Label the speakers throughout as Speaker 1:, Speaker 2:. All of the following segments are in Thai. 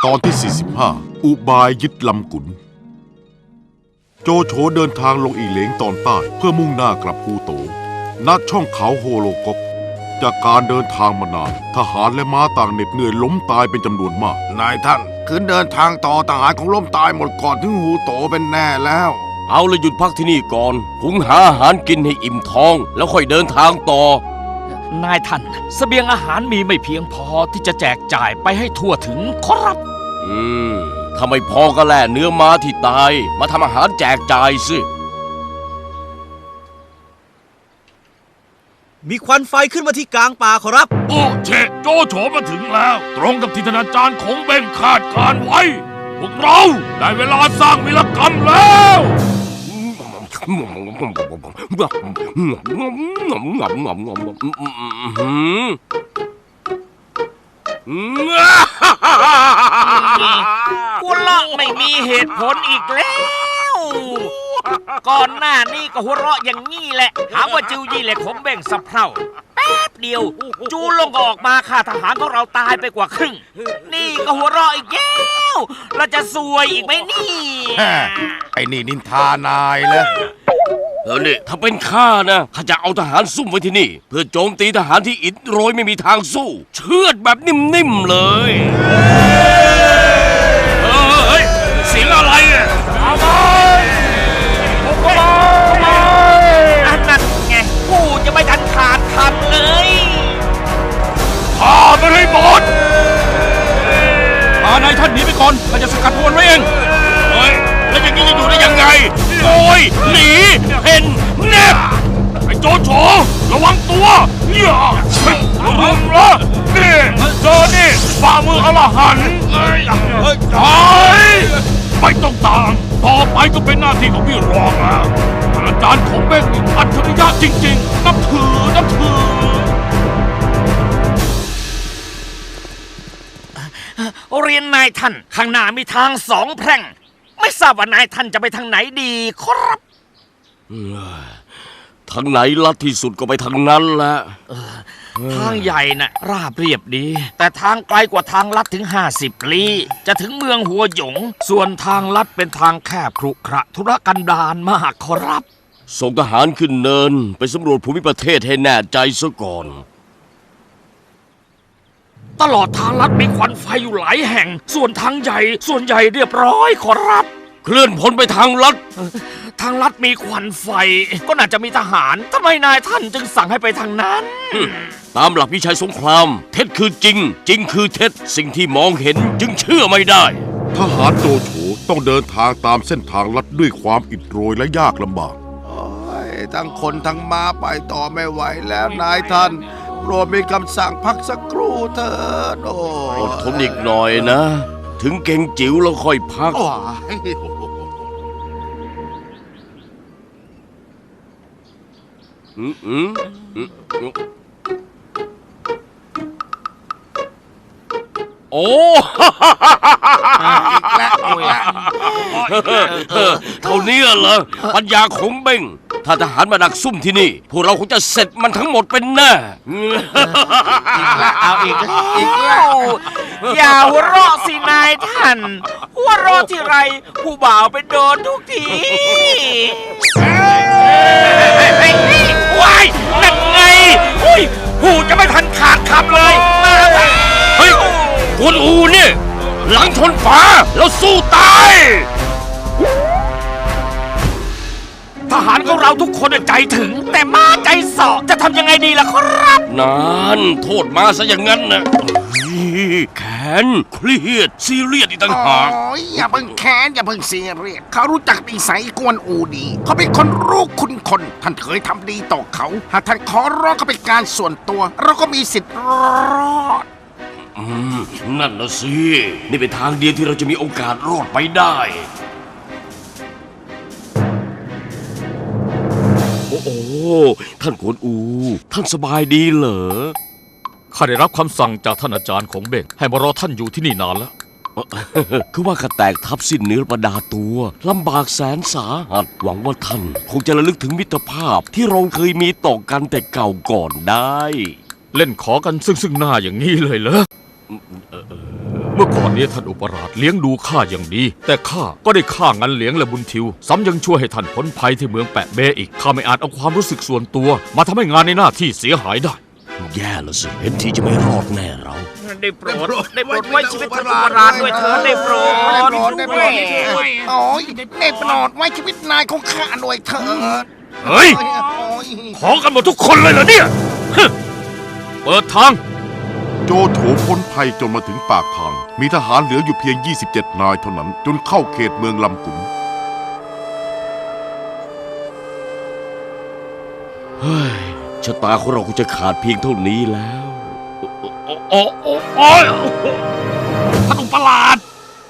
Speaker 1: ตอนที่ 45 อุบายยึดลำกุนโจโฉเดินทางลงอีเหลงตอนใต้เพื่อมุ่งหน้ากลับกูโตณช่องเขาโฮโลก๊อกจากการเดินทางมานานทหารและม้าต่างเหน็ดเหนื่อยล้มตายเป็นจำนวนมากนายท่านคืนเดินทางต่อทหารของล้มตายหมดก่อนถึงฮูโตเป็นแน่แล้ว
Speaker 2: เอาละหยุดพักที่นี่ก่อนหุงหาอาหารกินให้อิ่มท้องแล้วค่อยเดินทางต่อน
Speaker 3: ายท่านเสบียงอาหารมีไม่เพียงพอที่จะแจกจ่ายไปให้ทั่วถึงครับ
Speaker 2: ถ้าไม่พอก็แล่เนื้อม้าที่ตายมาทำอาหารแจกจ่ายสิ
Speaker 4: มีควันไฟขึ้นมาที่กลางป่าขอรับ
Speaker 5: โอ้เชโจโฉมาถึงแล้วตรงกับที่ท่านอาจารย์คงเบ่งคาดการไว้พวกเราได้เวลาสร้างวีรกรรมแล้ว
Speaker 3: หัวเราะไม่มีเหตุผลอีกแล้วก่อนหน้านี้ก็หัวเราะอย่างนี้แหละหาว่าจิวยี่เหล็กผมเบ่งสะเพร่าแป๊บเดียวจูลงก็ออกมาฆ่าทหารของเราตายไปกว่าครึ่งนี่ก็หัวเราะอีกแล้วเราจะซวยอีกไหมนี่
Speaker 1: ไอ้นี่นินทานายเลย
Speaker 2: นี่ถ้าเป็นข้านะข้าจะเอาทหารซุ่มไว้ที่นี่เพื่อโจมตีทหารที่อิดโรยไม่มีทางสู้เชือดแบบนิ่มๆเลย
Speaker 5: เฮ้ยเสียงอะไรอ่ะเอาไป
Speaker 3: อันนั้นไงกูจะไม่ทันขาดคำเลย
Speaker 5: ฆ่ามันให้หมด
Speaker 4: นายท่านหนีไปก่อนเราจะสกัดพวนไว้เอง
Speaker 5: เฮ้ยแล้วอย่างนี้จะอยู่ได้ยังไงโอยหนีเห็นแนบไอ้โจโฉระวังตัวอย่ามึงละนี่เจอนี่ฝ่ามืออรหันต์ไม่ต้องต่างต่อไปก็เป็นหน้าที่ของพี่รองแล้วอาจารย์ของเบ้งอัจฉริยะจริงๆนับถือ
Speaker 3: เรียนนายท่านข้างหน้ามีทางสองแพร่งไม่ทราบว่านายท่านจะไปทางไหนดีครับ
Speaker 2: ทางไหนลัดที่สุดก็ไปทางนั้นแหละ
Speaker 3: ทางใหญ่น่ะราบเรียบดีแต่ทางไกลกว่าทางลัดถึง50 ลี้จะถึงเมืองหัวหยงส่วนทางลัดเป็นทางแคบขรุขระธุรกันดารมากครับ
Speaker 2: ส่งทหารขึ้นเนินไปสำรวจภูมิประเทศให้แน่ใจซะก่อน
Speaker 3: ตลอดทางลัดมีควันไฟอยู่หลายแห่งส่วนทางใหญ่ส่วนใหญ่เรียบร้อยขอรับ
Speaker 2: เคลื่อนพลไปทางลัด
Speaker 3: ทางลัดมีควันไฟก็น่าจะมีทหารทำไมนายท่านจึงสั่งให้ไปทางนั้น
Speaker 2: ตามหลักวิชัยสงครามเท็จคือจริงจริงคือเท็จสิ่งที่มองเห็นจึงเชื่อไม่ได้
Speaker 1: ทหารโจโฉต้องเดินทางตามเส้นทางลัดด้วยความอิดโรยและยากลำบากทั้งคนทั้งม้าไปต่อไม่ไหวแล้วนายท่านโปรดมีคำสั่งพักสักครู่เถิด
Speaker 2: อดทนอีกหน่อยนะถึงเก่งจิ๋วแล้วค่อยพักโอ้อีกแล้วเท่านี้เหรอปัญญาของเบ้งถ้าทหารมาดักซุ่มที่นี่พวกเราคงจะเสร็จมันทั้งหมดเป็นแน่
Speaker 3: อีกแล้วเอาอีกแล้วอย่าหัวเราะสินายท่านหัวเราะที่ไรผู้บ่าวเป็นโดนทุกทีว้ายนั่นไงอุ้ยผู้จะไม่ทันขาดคำเลย
Speaker 2: เฮ้ยกวนอูเนี่ยหลังชนฝาแล้วสู้ตาย
Speaker 3: ทหารของเราทุกคนใจถึงแต่ม้าใจสอจะทำยังไงดีล่ะครับ
Speaker 2: นั่นโทษมาซะอย่างนั้นนะแค้นเครียดซีเรียสอีกต่างหาก
Speaker 6: อย่าเพิ่งแค้นอย่าเพิ่งซีเรียสเขารู้จักนิสัยกวนอูดีเขาเป็นคนรู้คุณคนท่านเคยทำดีต่อเขาหากท่านขอร้องเขาเป็นการส่วนตัวเราก็มีสิทธิ์รอด
Speaker 2: นั่นนะสินี่เป็นทางเดียวที่เราจะมีโอกาสรอดไปได้โอ้ท่านกวนอูท่านสบายดีเหรอ
Speaker 4: ข้าได้รับคำสั่งจากท่านอาจารย์ของเบ้งให้มารอท่านอยู่ที่นี่นานแล้ว
Speaker 2: คือว่าข้าแตกทับสิ้นเนื้อประดาตัวลำบากแสนสาหัสหวังว่าท่านคงจะระลึกถึงมิตรภาพที่เราเคยมีต่อกันแต่เก่าก่อนได้
Speaker 4: เล่นขอกันซึ่งหน้าอย่างนี้เลยเหรอ
Speaker 2: เมื่อ
Speaker 4: มื่อก่อนนี้ท่านอุปราชเลี้ยงดูข้าอย่างดีแต่ข้าก็ได้ฆ่างันเหลียงและบุญทิวซ้ำยังช่วยให้ท่านพ้นภัยที่เมืองแปะเบอีกข้าไม่อาจเอาความรู้สึกส่วนตัวมาทำให้งานในหน้าที่เสียหายได้
Speaker 2: แย่ละสิเห็นทีจะไม่รอดแน่เรา
Speaker 3: ได้โปรดไว้ชีวิตท่านอุปราชด้วยเถิดได้โปรด
Speaker 6: ได้โปรดโอ้ยได้โปรดไว้ชีวิตนายของข้าด้วยเถิด
Speaker 5: เฮ้ย
Speaker 6: โอ้ย
Speaker 5: ขอกันหมดทุกคนเลยเหรอเนี่ยฮึเปิดทาง
Speaker 1: โจโฉพ้นภัยจนมาถึงปากทาง มีทหารเหลืออยู่เพียง 27 นายเท่านั้น จนเข้าเขตเมืองลำกุน
Speaker 2: เฮ้ยชะตาของเราคงจะขาดเพียงเท่านี้แล้ว
Speaker 5: โอ้ยท่านอุปราช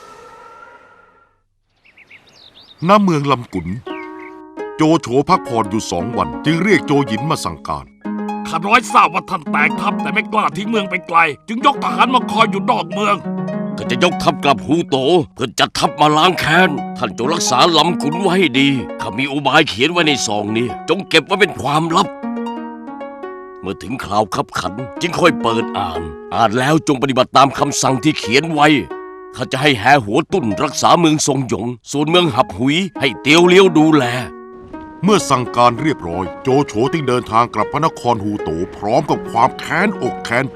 Speaker 1: ณเมืองลำกุน โจโฉพักผ่อนอยู่ 2 วัน จึงเรียกโจหยินมาสั่งการ
Speaker 5: ข้าน้อยทราบว่าท่านแตกทัพแต่ไม่กล้าทิ้งเมืองไปไกล จึงยกทหารมาคอยอยู่นอกเมือง
Speaker 2: ก็จะยกทัพกลับฮูโตเพื่อจัดทัพมาล้างแค้นท่านจงรักษาลำขุนไว้ให้ดีข้ามีอุบายเขียนไว้ในซองนี้จงเก็บไว้เป็นความลับ เมื่อถึงคราวคับขันจึงค่อยเปิดอ่านแล้วจงปฏิบัติตามคำสั่งที่เขียนไว้ข้าจะให้แห่หัวตุ้นรักษาเมืองทรงหยงส่วนเมืองหับหุยให้เตียวเลี้ยวดูแล
Speaker 1: เมื่อสั่งการเรียบร้อย โจโฉจึงเดินทางกลับพระนครฮูโตพร้อมกับความแค้นอกแค้นใจ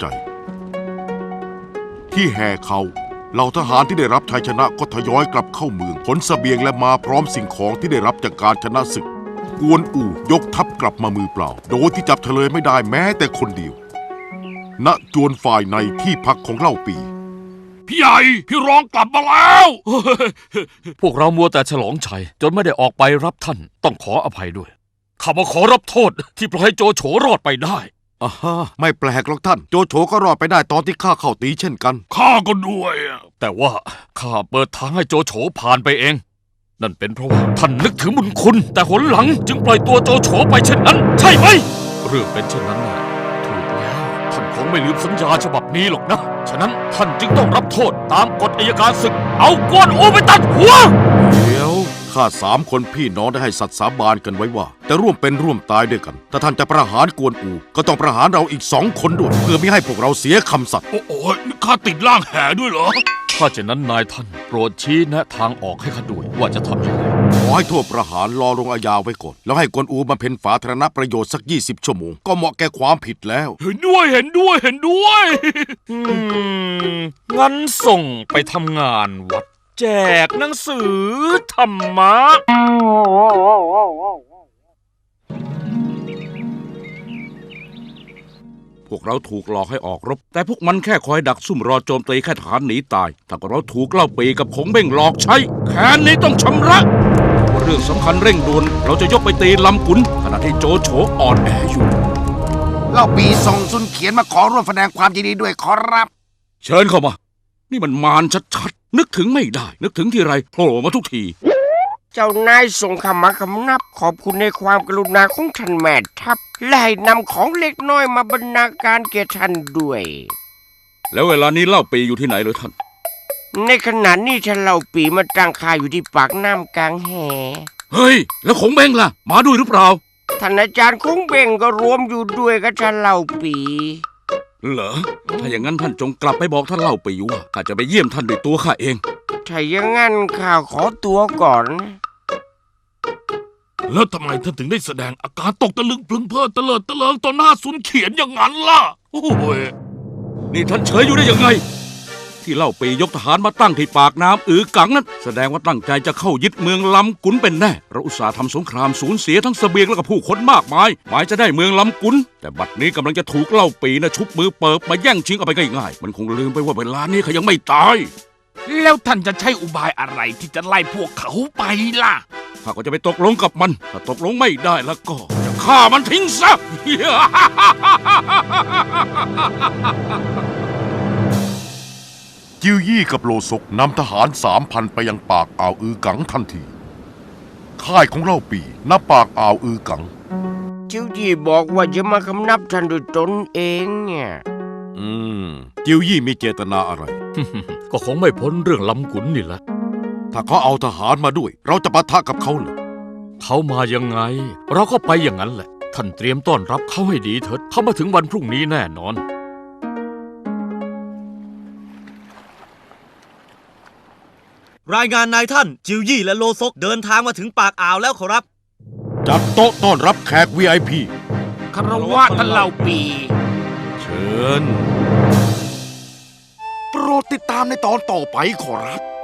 Speaker 1: ที่แห่เขาเหล่าทหารที่ได้รับชัยชนะก็ทยอยกลับเข้าเมืองขนเสบียงและมาพร้อมสิ่งของที่ได้รับจากการชนะศึกกวนอู่ยกทัพกลับมามือเปล่าโดยที่จับเฉลยไม่ได้แม้แต่คนเดียวณจวนฝ่ายในที่พักของเล่าปี
Speaker 5: พี่ใหญ่พี่รองกลับมาแล้ว
Speaker 4: พวกเรามัวแต่ฉลองชัยจนไม่ได้ออกไปรับท่านต้องขออภัยด้วยข้ามาขอรับโทษที่ปล่อยให้โจโฉรอดไปได้
Speaker 1: อ่าฮะไม่แปลกหรอกท่านโจโฉก็รอดไปได้ตอนที่ข้าเข้าตีเช่นกัน
Speaker 5: ข้าก็ด้วยอะ
Speaker 4: แต่ว่าข้าเปิดทางให้โจโฉผ่านไปเอง นั่นเป็นเพราะว่าท่านนึกถึงบุญคุณแต่หนหลังจึงปล่อยตัวโจโฉไปเช่นนั้น ใช่ไหมเรื่องเป็นเช่นนั้นนะถูกแล้วท่านคงไม่ลืมสัญญาฉบับนี้หรอกนะฉะนั้นท่านจึงต้องรับโทษตามกฎอัยการศึกเอากวนอูไปตัดหัว
Speaker 1: เดี๋ยวข้า3 คนพี่น้องได้ให้สัตย์สาบานกันไว้ว่าจะร่วมเป็นร่วมตายด้วยกันถ้าท่านจะประหารกวนอูก็ต้องประหารเราอีก2 คนด้วยเพื่อไม่ให้พวกเราเสียคำสัตย์
Speaker 5: โอ้ยนี่ข้าติดร่างแห่ด้วยเหรอ
Speaker 4: ถ้าเช่นนั้นนายท่านโปรดชี้แนะทางออกให้ข้าด้วยว่าจะทำยังไง
Speaker 1: ขอให้โทษประหารรอลงอาญาไว้ก่อนแล้วให้กวนอูมาเพ็ญสาธารณประโยชน์สัก20 ชั่วโมงก็เหมาะแก่ความผิดแล้ว
Speaker 5: เห็นด้วยเห็นด้วยเห็นด้วย
Speaker 4: งั้นส่งไปทำงานวัด แจกหนังสือธรรมะ
Speaker 7: พวกเราถูกหลอกให้ออกรบแต่พวกมันแค่คอยดักซุ่มรอโจมตีแค่ทหารหนีตายถ้าเราถูกเล่าปีกับคงเบ้งหลอกใช้แค้นนี้ต้องชำระว่าเรื่องสำคัญเร่งด่วนเราจะยกไปตีลำกุนขณะที่โจโฉอ่อนแออยู่
Speaker 6: เล่าปีส่งซุนเขียนมาขอร่วมแสดงความยินดีด้วยขอรับ
Speaker 7: เชิญเข้ามา นี่มันมารชัดๆนึกถึงไม่ได้ นึกถึงทีไรโผล่มาทุกที
Speaker 8: เจ้านายส่งคำมาคำนับขอบคุณในความกรุณาของท่านแม่ทัพและให้นำของเล็กน้อยมาบรรณาการแก่ท่านด้วย
Speaker 7: แล้วเวลานี้เล่าปีอยู่ที่ไหนเลยท่าน
Speaker 8: ในขณะนี้ท่านเล่าปีมาตั้งค่ายอยู่ที่ปากน้ำกลางแห
Speaker 7: เฮ้ย แล้วคงเบ้งล่ะมาด้วยหรือเปล่า
Speaker 8: ท่านอาจารย์คงเบ่งก็รวมอยู่ด้วยกับท่านเล่าปี
Speaker 7: เหรอถ้าอย่างนั้นท่านจงกลับไปบอกท่านเล่าปีว่าข้าจะไปเยี่ยมท่านด้วยตัวข้าเอง
Speaker 8: ถ้าอย่างนั้นข้าขอตัวก่อนนะ
Speaker 5: แล้วทำไมท่านถึงได้แสดงอาการตกตะลึงพลึงเพลิดเตลิดเตลิงต่อหน้าซุนเขียนอย่างนั้นล่ะ โอ้ย
Speaker 7: นี่ท่านเฉยอยู่ได้ยังไง ที่เล่าปียกทหารมาตั้งที่ปากน้ำกังนั้นแสดงว่าตั้งใจจะเข้ายึดเมืองลำกุนเป็นแน่เราอุตส่าห์ทำสงครามสูญเสียทั้งเสบียงและก็ผู้คนมากมายหมายจะได้เมืองลำกุนแต่บัดนี้กำลังจะถูกเล่าปีนะชุบมือเปิบมาแย่งชิงเอาไปง่ายๆมันคงลืมไปว่าเวลานี้เขายังไม่ตาย
Speaker 5: แล้วท่านจะใช้อุบายอะไรที่จะไล่พวกเขาไปล่ะ
Speaker 7: ข้าก็จะไปตกลงกับมันถ้าตกลงไม่ได้แล้วก็จะฆ่ามันทิ้งซะ
Speaker 1: จิวยี่กับโลซกนำทหาร 3,000 ไปยังปากอ่าวกังทันทีค่ายของเล่าปีณปากอ่าวกัง
Speaker 8: จิวยี่บอกว่าจะมาคำนับท่านด้วยตนเองเนี่ย
Speaker 1: จิวยี่มีเจตนาอะไร
Speaker 4: ก็คงไม่พ้นเรื่องลำกุนนี่แหละ
Speaker 1: ถ้าเขาเอาทหารมาด้วย เราจะปะทะกับเขาเหรอ
Speaker 4: เขามายังไง เราก็ไปอย่างนั้นแหละ ท่านเตรียมต้อนรับเขาให้ดีเถิดเขามาถึงวันพรุ่งนี้แน่นอน
Speaker 9: รายงานนายท่านจิวยี่และโลซกเดินทางมาถึงปากอ่าวแล้วขอรับ
Speaker 1: จัดโต๊ะต้อนรับแขก VIP
Speaker 6: คารวะท่านเหล่าปี
Speaker 1: เชิญ โปรดติดตามในตอนต่อไปขอรับ